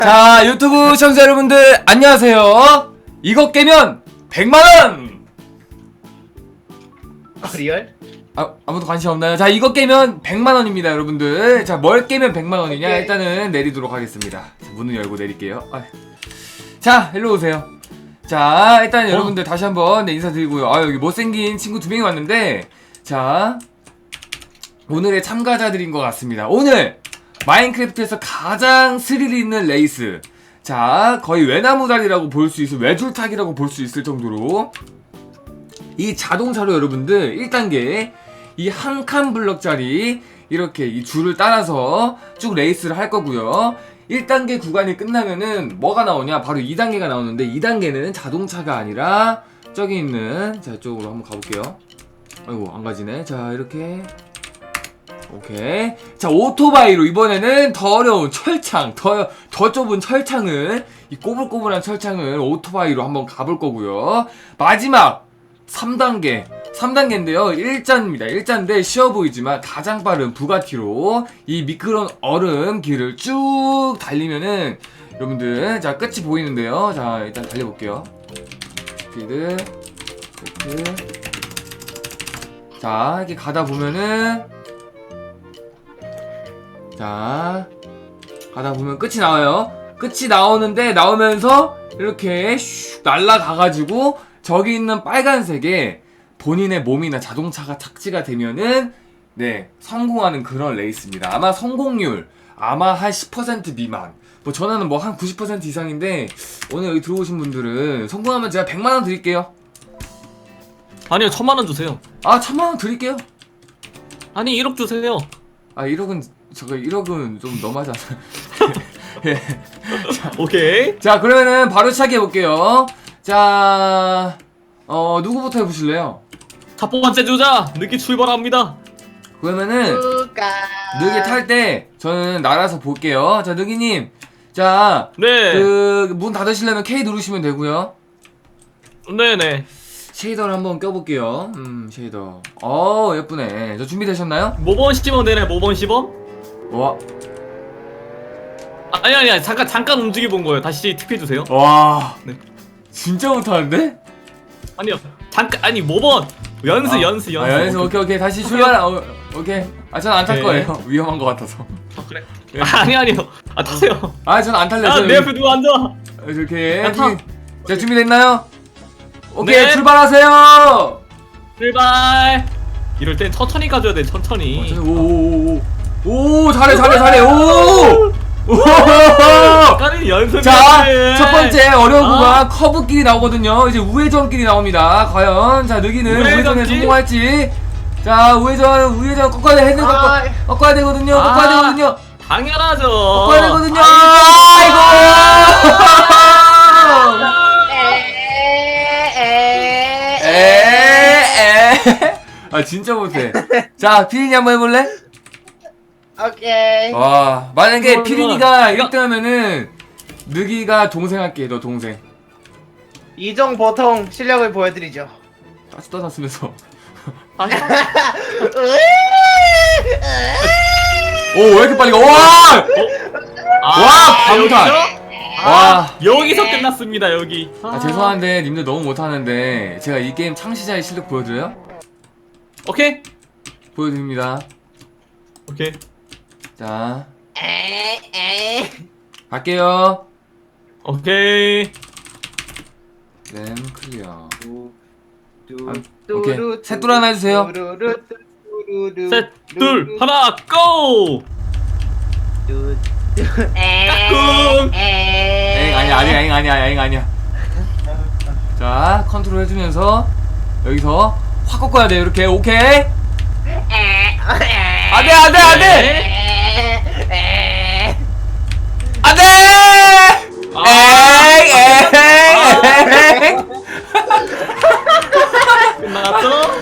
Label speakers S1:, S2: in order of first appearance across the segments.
S1: 자, 유튜브 시청자 여러분들 안녕하세요. 이거 깨면 100만원!
S2: 리얼?
S1: 아무도 관심 없나요? 자, 이거 깨면 100만원입니다 여러분들. 자, 뭘 깨면 100만원이냐? 일단은 내리도록 하겠습니다. 자, 문을 열고 내릴게요. 자, 일로 오세요. 자, 일단 여러분들 다시 한번 인사드리고요. 여기 못생긴 친구 2명이 왔는데, 자, 오늘의 참가자들인 것 같습니다. 오늘 마인크래프트에서 가장 스릴 있는 레이스, 자, 거의 외나무다리라고 볼 수 있을, 외줄타기라고 볼 수 있을 정도로 이 자동차로 여러분들 1단계 이 한 칸 블럭짜리 이렇게 이 줄을 따라서 쭉 레이스를 할 거고요. 1단계 구간이 끝나면은 뭐가 나오냐? 바로 2단계가 나오는데, 2단계는 자동차가 아니라 저기 있는, 자, 이쪽으로 한번 가볼게요. 아이고, 안 가지네. 자, 이렇게. 오케이. 자, 오토바이로 이번에는 더 어려운 철창, 더 좁은 철창을, 이 꼬불꼬불한 철창을 오토바이로 한번 가볼 거고요. 마지막 3단계인데요. 1자입니다. 1자인데 쉬워 보이지만 가장 빠른 부가티로 이 미끄러운 얼음 길을 쭉 달리면은 여러분들, 자, 끝이 보이는데요. 자, 일단 달려볼게요. 스피드, 스피드. 자, 이렇게 가다 보면은, 자, 가다 보면 끝이 나와요. 끝이 나오는데, 나오면서 이렇게 슉 날아가가지고 저기 있는 빨간색에 본인의 몸이나 자동차가 착지가 되면은, 네, 성공하는 그런 레이스입니다. 아마 성공률 아마 한 10% 미만, 뭐 저는 뭐 한 90% 이상인데, 오늘 여기 들어오신 분들은 성공하면 제가 100만원 드릴게요.
S3: 아니요, 1000만원 주세요.
S1: 1000만원 드릴게요.
S3: 아니, 1억 주세요.
S1: 1억은 저거 1억은 좀 너무하지 않아요? 예.
S3: 오케이.
S1: 자, 그러면은 바로 시작해 볼게요. 자, 누구부터 해보실래요?
S3: 첫 번째 주자, 늦게 출발합니다.
S1: 그러면은
S2: 누가?
S1: 느기 탈 때 저는 날아서 볼게요. 자, 느기님, 자,
S3: 네.
S1: 그 문 닫으시려면 K 누르시면 되고요.
S3: 네네.
S1: 쉐이더를 한번 껴볼게요. 쉐이더. 예쁘네. 저 준비되셨나요?
S3: 모범 시범 되네, 모범 시범?
S1: 와,
S3: 아니, 잠깐 움직여 본 거예요. 다시 팁해주세요.
S1: 와,
S3: 네.
S1: 진짜 못하는데?
S3: 아니요, 아니, 모범. 연습.
S1: 연습. 오케이. 다시 출발. 오케이. 전 안 탈
S3: 네.
S1: 거예요. 위험한 거 같아서.
S3: 그래?
S1: 예.
S3: 아니요. 타세요.
S1: 전 안 탈래요.
S3: 내 옆에 누구 앉아?
S1: 이렇게.
S3: 야, 타.
S1: 자, 준비됐나요? 오케이,
S3: 네.
S1: 출발하세요!
S3: 출발. 이럴 땐 천천히 가줘야 돼, 천천히.
S1: 오, 잘해. 오!
S3: 아까는 연습.
S1: 자, 첫 번째 어려운 구간 커브길이 나오거든요. 이제 우회전길이 나옵니다. 과연, 자, 느기는 우회전에
S3: 우회전길?
S1: 성공할지. 자, 우회전 꺾어야 돼. 핸들 꺾어야 되거든요.
S3: 당연하죠.
S1: 꺾어야 되거든요. 진짜 못해. 자, 피린이 한번 해볼래?
S2: 오케이.
S1: 와, 만약에
S3: 그러면
S1: 피린이가
S3: 이거-
S1: 1등하면은 느기가 동생 할게. 너 동생.
S2: 이종 보통 실력을 보여드리죠.
S1: 다시 떠났으면서.
S3: 다시.
S1: 오, 왜 이렇게 빨리 가? 와! 방탄. 와.
S3: 여기서 끝났습니다. 여기.
S1: 죄송한데 님들 너무 못하는데 제가 이 게임 창시자의 실력 보여드려요?
S3: 오케이.
S1: 보여드립니다.
S3: 오케이.
S1: 자, 갈게요.
S3: 오케이.
S1: 램 클리어.
S2: 오케이.
S1: 셋둘 하나 해주세요.
S3: 셋, 둘, 하나, 고! 까꿍!
S1: 아니야. 자, 컨트롤 해주면서 여기서 확 꺾어야 돼. 이렇게. 오케이. 안돼.
S3: 끝났어?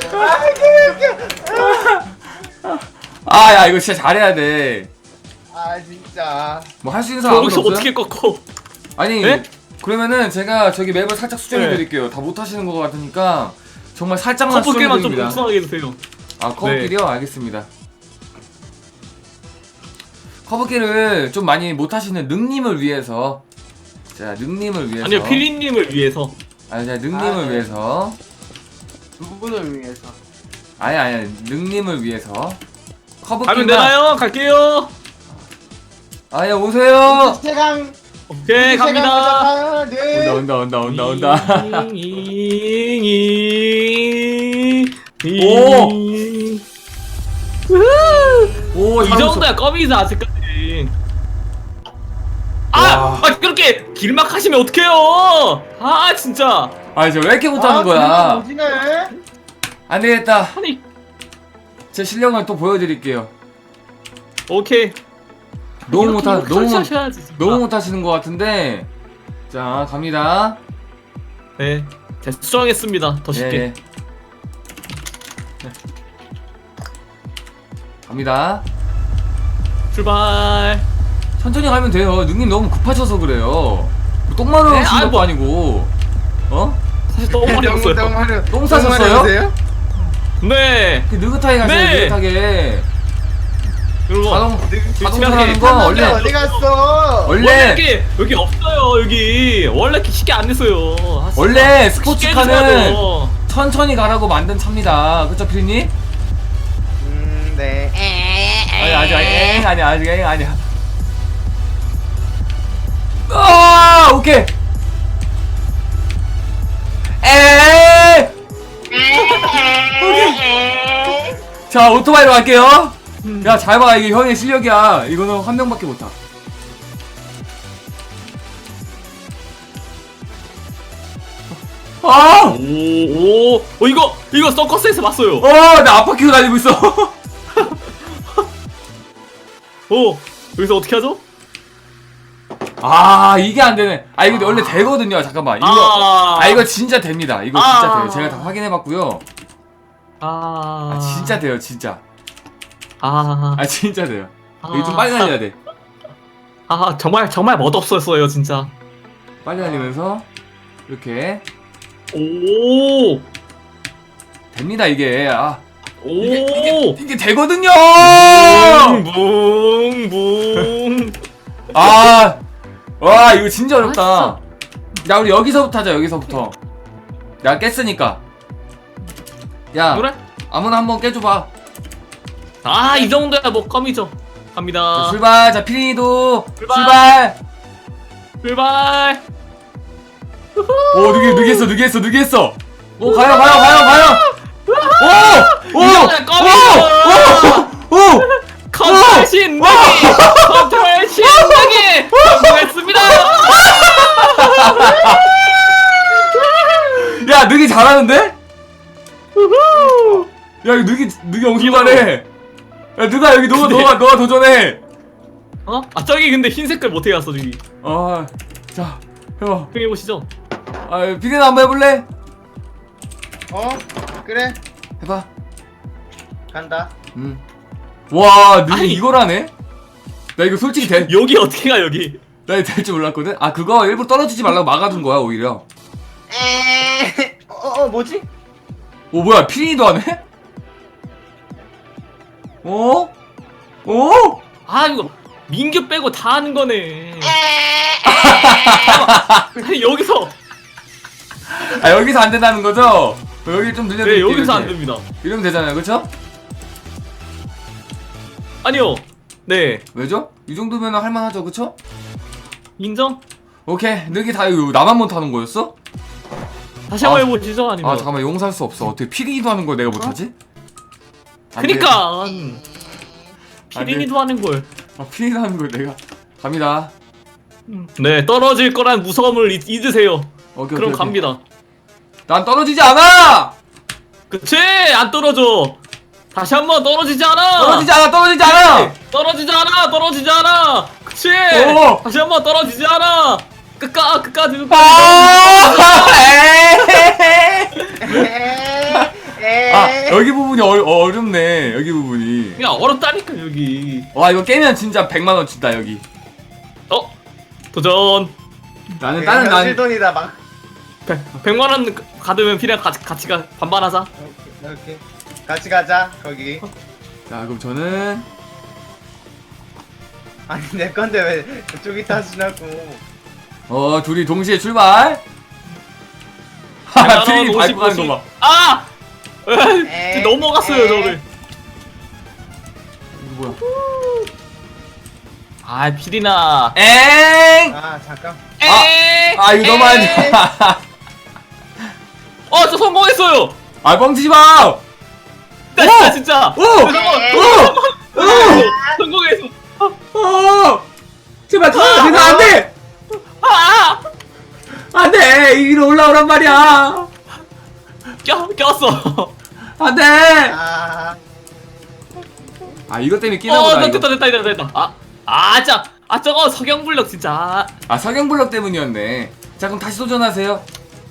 S1: 야, 이거 진짜 잘해야 돼.
S2: 진짜.
S1: 뭐 할 수 있는 사람 아무도
S3: 여기서
S1: 없어요?
S3: 어떻게 꺾어?
S1: 아니,
S3: 네?
S1: 그러면은 제가 저기 맵을 살짝 수정해
S3: 네.
S1: 드릴게요. 다 못하시는 것 같으니까 정말 살짝만 수정해
S3: 커플게만 좀
S1: 드립니다.
S3: 공평하게 해주세요.
S1: 커브길이요? 알겠습니다. 커브기를 좀 많이 못하시는 능님을 위해서. 자, 능님을 위해서.
S3: 아니요, 피리님을 위해서.
S1: 아니, 자, 능님을
S2: 네.
S1: 위해서.
S2: 누구를 위해서?
S1: 아니, 능님을 위해서.
S3: 가면
S1: 커브기만.
S3: 되나요? 갈게요.
S1: 아니, 오세요.
S2: 세강.
S3: 오케이, 갑니다.
S2: 네.
S1: 온다.
S3: 오!
S1: 오,
S3: 이 정도야 껌이지 아직까지.
S1: 와.
S3: 그렇게 길막 하시면 어떡해요? 아 진짜.
S1: 아니, 저 왜 이렇게 못하는 거야?
S2: 오지네.
S1: 안 되겠다.
S3: 아니
S1: 제 실력을 또 보여드릴게요.
S3: 오케이.
S1: 너무
S3: 하셔야지.
S1: 너무 못하시는 것 같은데. 자, 갑니다.
S3: 네, 제가 수정했습니다. 더 쉽게.
S1: 네. 갑니다.
S3: 출발.
S1: 천천히 가면 돼요. 능님 너무 급하셔서 그래요. 똥마루
S3: 네,
S1: 하신 것도
S3: 뭐.
S1: 아니고. 어?
S3: 사실 너무 많이 없어요.
S1: 똥 싸셨어요?
S3: 네.
S1: 그 느긋하게 가세요.
S3: 네.
S1: 느긋하게.
S3: 그리고
S1: 자동차 하는 거 원래
S2: 어디 갔어?
S1: 원래
S3: 여기 없어요. 여기 원래 이렇게 쉽게 안 냈어요. 아, 진짜.
S1: 원래
S3: 쉽게
S1: 스포츠카는
S3: 해줘야죠.
S1: 천천히 가라고 만든 차입니다. 그쵸, 피디님?
S2: 네.
S1: 아니 아니야. 아, 오케이. 자, 오토바이로 갈게요. 야, 잘 봐. 이게 형의 실력이야. 이거는 한 명밖에 못 타. 아!
S3: 이거 서커스에서 봤어요.
S1: 나 앞바퀴로 달리고 있어.
S3: 여기서 어떻게 하죠?
S1: 아, 이게 안 되네. 아, 이거 원래 되거든요. 잠깐만. 이거 진짜 됩니다. 이거 진짜 돼요. 제가 다 확인해 봤고요. 진짜 돼요, 진짜. 진짜 돼요. 이거 좀 빨리 달려야 돼.
S3: 정말 멋없었어요, 진짜.
S1: 빨리 달리면서 이렇게
S3: 오!
S1: 됩니다, 이게.
S3: 오!
S1: 이게 되거든요.
S3: 붕붕붕.
S1: 와, 이거 진짜 어렵다. 야, 우리 여기서부터 하자. 여기서부터. 야, 깼으니까. 야,
S3: 그래?
S1: 아무나 한번 깨줘봐.
S3: 이 정도야 뭐 껌이죠. 갑니다.
S1: 자, 출발. 자, 피리니도
S3: 출발.
S1: 출발.
S3: 출발.
S1: 오, 누구했어. 오, 가요.
S3: 이거는 껌이죠. 컨트롤 신나게. 성공했습니다.
S1: 야, 느기 잘하는데? 야, 이거 느기 엄청 잘해. 야, 누가 여기 너가 도전해.
S3: 저기 근데 흰 색깔 못해 갔어 저기.
S1: 자, 해봐.
S3: 해보시죠.
S1: 피디는 한번 해볼래?
S2: 그래.
S1: 해봐.
S2: 간다.
S1: 와, 느기
S3: 아니.
S1: 이걸 하네? 나 이거 솔직히
S3: 여기 어떻게 가 여기?
S1: 나 이거 될 줄 몰랐거든? 그거 일부러 떨어지지 말라고 막아둔 거야, 오히려.
S2: 뭐지?
S1: 오, 뭐야, 피디도 하네? 어?
S3: 이거 민규 빼고 다 하는 거네. 아니 여기서.
S1: 여기서 안 된다는 거죠? 여기 좀
S3: 네,
S1: 늘려드릴게요.
S3: 여기서 안
S1: 이렇게.
S3: 됩니다.
S1: 이러면 되잖아요, 그쵸?
S3: 아니요. 네.
S1: 왜죠? 이 정도면 할만하죠, 그쵸?
S3: 인정?
S1: 오케이, 느기 다 이거 나만 못하는 거였어?
S3: 다시 한번 해보시죠. 아니면.
S1: 잠깐만, 용서할 수 없어. 어떻게 피디도 하는 걸 내가 못하지? 안
S3: 그니까.
S1: 돼.
S3: 피린이도 하는 걸.
S1: 피디도 하는 걸 내가. 갑니다.
S3: 네, 떨어질 거란 무서움을 잊으세요.
S1: 오케이,
S3: 그럼
S1: 오케이.
S3: 갑니다.
S1: 난 떨어지지 않아!
S3: 그치? 안 떨어져. 다시 한번 떨어지지 않아.
S1: 떨어지지 않아!
S3: 떨어지지 않아. 그치?
S1: 오!
S3: 다시 한번 떨어지지 않아. 끝까지.
S1: 여기 부분이 어렵네. 여기 부분이.
S3: 야, 어렵다니까 여기.
S1: 와, 이거 깨면 진짜 100만원 준다, 여기.
S3: 도전.
S1: 나는
S2: 실돈이다 막.
S3: 100만 원 받으면 피랑 같이 가 반반하자.
S2: 오케이. 같이 가자 거기.
S1: 자, 그럼 저는
S2: 아니 내 건데 왜 그쪽이 타시냐고.
S1: 둘이 동시에 출발. 하하, 트린이 밟고 가는 거 봐.
S3: 아!
S2: 에이,
S3: 넘어갔어요
S2: 에이.
S3: 저를.
S1: 이거 뭐야?
S3: 아 피리나.
S1: 엥!
S2: 아 잠깐.
S1: 이거 너무 안 좋아.
S3: 저 성공했어요.
S1: 뻥치지 마!
S3: 진짜 진짜.
S1: 오!
S3: 성공했어.
S1: 제발, 그거 안 돼! 안 돼! 위로 올라오란 말이야!
S3: 꼈어.
S1: 안 돼! 이것 때문에 끼나 보다. 이거.
S3: 됐다. 저거 석영블럭 진짜.
S1: 석영블럭 때문이었네. 자, 그럼 다시 도전하세요.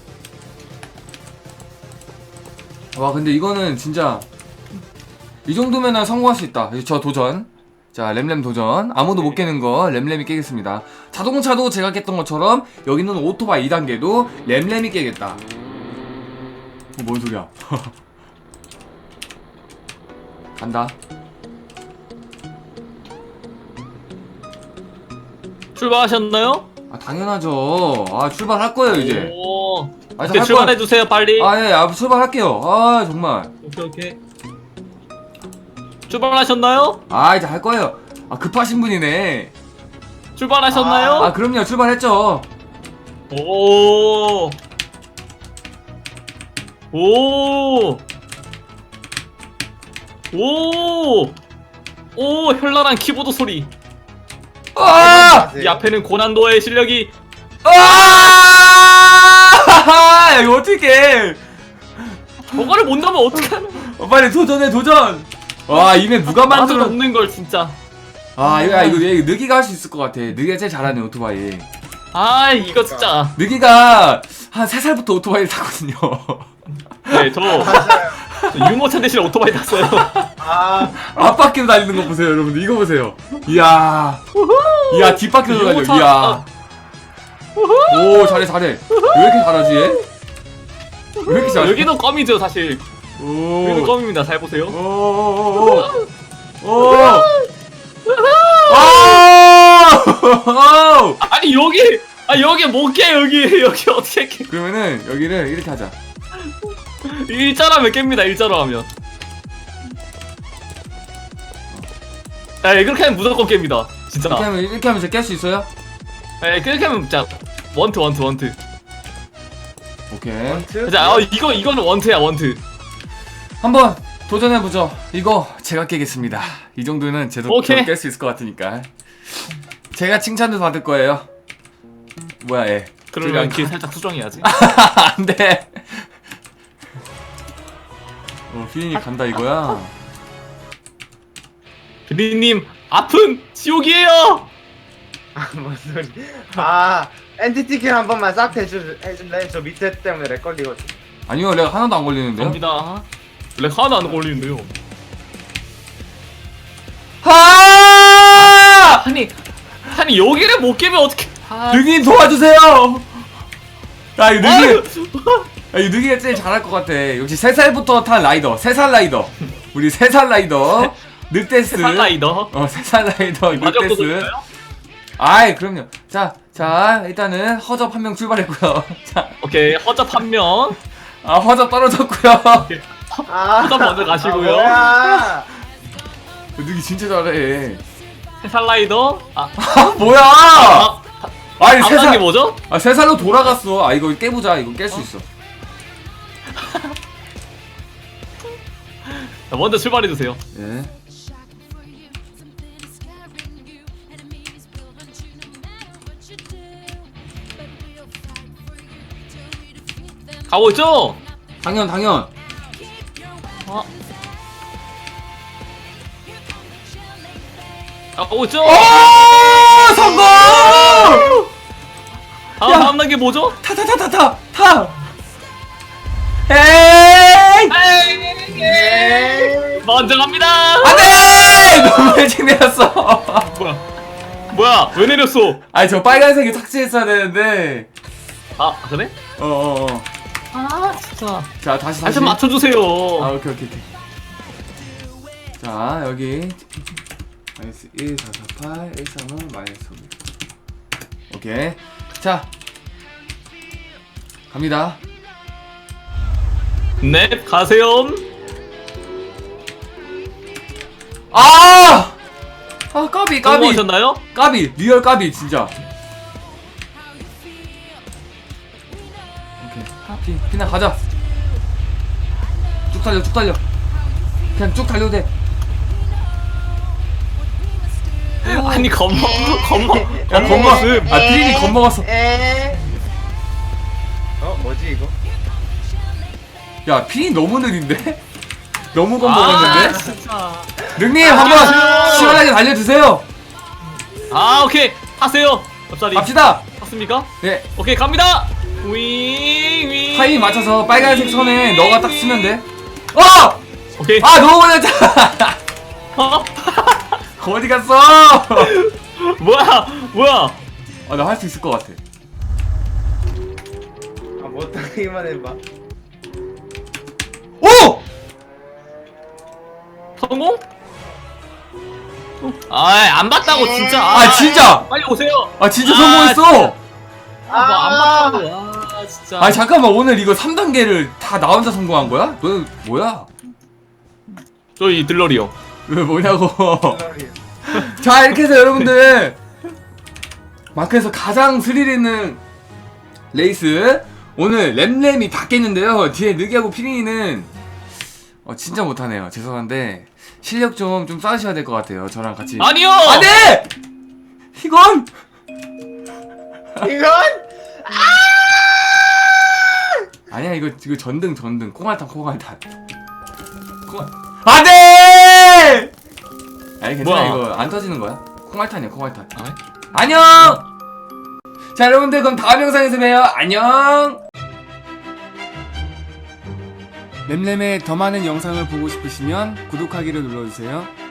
S1: 와, 근데 이거는 진짜 이 정도면은 성공할 수 있다. 저 도전. 자, 램램 도전. 아무도 못 깨는 거 램램이 깨겠습니다. 자동차도 제가 깼던 것처럼 여기는 오토바이 2단계도 램램이 깨겠다. 뭔 소리야? 간다.
S3: 출발하셨나요?
S1: 당연하죠. 출발할 거예요, 이제.
S3: 오.
S1: 저
S3: 오케이,
S1: 할
S3: 출발해 주세요 빨리.
S1: 예, 출발할게요. 정말.
S3: 오케이. 출발하셨나요?
S1: 이제 할 거예요. 급하신 분이네.
S3: 출발하셨나요?
S1: 그럼요. 출발했죠.
S3: 오. 현란한 키보드 소리. 이 앞에는 고난도의 실력이.
S1: 이거 어떡해.
S3: 저거를 못 넘으면 어떡하나.
S1: 빨리 도전해, 도전. 이메 누가
S3: 나도
S1: 만들어.
S3: 넘는 걸 진짜.
S1: 이거 느기가 할 수 있을 것 같아. 느기가 제일 잘하네, 오토바이.
S3: 이거 진짜.
S1: 느기가 한 3살부터 오토바이를 타거든요.
S3: 네, 저
S2: 맞아요.
S3: 유모차 대신 오토바이 탔어요.
S1: 앞바퀴로 달리는 거 보세요, 여러분들. 이거 보세요. 이야, 뒷바퀴로 달려.
S3: 유모차-
S1: 이야. 오, 잘해. 왜 이렇게 잘하지, 얘? 왜 이렇게 잘해?
S3: 여기도 껌이죠 사실. 여기도
S1: 오.
S3: 껌입니다. 잘 보세요.
S1: 오.
S3: 아니 여기 못 깨. 여기 어떻게 깨?
S1: 그러면은 여기를 이렇게 하자.
S3: 일자로 하면 깹니다. 일자로 하면. 그렇게 하면 무조건 깹니다. 진짜.
S1: 이렇게 하면 깰 수 있어요?
S3: 그렇게 하면 진짜 원트.
S1: 오케이.
S3: 자, 이거는 원트야 원트.
S1: 한번 도전해보죠. 이거 제가 깨겠습니다. 이 정도는
S3: 오케이.
S1: 깰 수 있을 것 같으니까. 제가 칭찬도 받을 거예요. 뭐야, 얘.
S3: 그러면 길 살짝 수정해야지.
S1: 안 돼. 피디님 간다 이거야.
S3: 비리님 아픈 지옥이에요.
S2: 뭔 소리. 엔티티 킬 한 번만 싹 해줄래? 저 밑에 때문에 렉 걸리거든.
S1: 아니요, 내가 하나도 안 걸리는데요.
S3: 갑니다. 렉 하나 안 걸리는데요. 아니 여기를 못 깨면 어떻게?
S1: 느기 도와주세요. 이거 느기가 제일 잘할 것 같아. 역시 3살부터 탄 라이더. 3살 라이더. 우리 3살 라이더. 늑대스.
S3: 3살 라이더.
S1: 3살 라이더
S3: 마지막
S1: 늑대스.
S3: 도전인가요?
S1: 그럼요. 자, 일단은 허접 한 명 출발했고요. 자,
S3: 오케이, 허접 한 명.
S1: 허접 떨어졌고요.
S3: 허접 먼저 가시고요.
S2: 뭐야?
S1: 느기 진짜 잘해.
S3: 3살 라이더.
S1: 뭐야? 아니,
S3: 안 게 뭐죠?
S1: 3살로 돌아갔어. 이거 깨보자. 이거 깰 수 있어.
S3: 자, 먼저 출발해 주세요.
S1: 예.
S3: 가고 있죠?
S1: 당연.
S3: 가고 있죠?
S1: 성공!
S3: 다음 단계 뭐죠?
S1: 타! 에이!
S3: 먼저 갑니다.
S1: 안돼! 너무 일찍 내렸어.
S3: 뭐야? 왜 내렸어?
S1: 저 빨간색이 삭제했어야 되는데.
S3: 그래? 진짜.
S1: 자, 다시.
S3: 좀 맞춰주세요.
S1: 오케이. 자, 여기. 마이너스 1 4 4 8 1 3 5 마이너스 5. 오케이. 자 갑니다.
S3: 네, 가세요.
S1: 아 까비
S3: 성공하셨나요?
S1: 까비 리얼 까비 진짜. 오케이 피나 가자. 쭉 달려 그냥 쭉 달려도 돼.
S3: 아니, 겁먹.
S1: 야 겁먹. 아 피린이 겁먹었어.
S2: 뭐지 이거?
S1: 야 피린 너무 느린데? 너무
S3: 아,
S1: 겁먹었는데?
S3: 진짜.
S1: 능님 한번 시원하게 달려주세요.
S3: 아, 오케이. 하세요. 옆자리.
S1: 갑시다.
S3: 맞습니까?
S1: 네
S3: 오케이, 갑니다. 윙.
S1: 타이밍 맞춰서 빨간색 선에 너가 딱 쓰면 돼.
S3: 오케이.
S1: 아 너무 걸렸잖아.
S3: 어?
S1: 어디 갔어?
S3: 뭐야?
S1: 아 나 할 수 있을 것 같아.
S2: 못하기만 해봐.
S1: 오!
S3: 성공? 안 봤다고 진짜.
S1: 아 진짜.
S3: 빨리 오세요.
S1: 아 진짜
S3: 아,
S1: 성공했어.
S3: 안 봤다고. 진짜.
S1: 아 잠깐만 오늘 이거 3단계를 다 나 혼자 성공한 거야? 너 뭐야?
S3: 저희 들러리요.
S1: 왜 뭐냐고. 자 이렇게 해서 여러분들 마크에서 가장 스릴 있는 레이스 오늘 램램이 다 깼는데요. 뒤에 느기하고 피린이는 진짜 못하네요. 죄송한데 실력 좀 쌓으셔야 될 것 같아요. 저랑 같이.
S3: 아니요.
S1: 안돼! 이건
S2: 이건
S1: 아니야. 이거 전등 콩알탄 안돼! 아니 괜찮아.
S3: 뭐야?
S1: 이거 안 터지는 거야. 콩알탄이야 콩알탄.
S3: 아,
S1: 안녕. 자 여러분들 그럼 다음 영상에서 봬요. 안녕. 램램의 더 많은 영상을 보고 싶으시면 구독하기를 눌러주세요.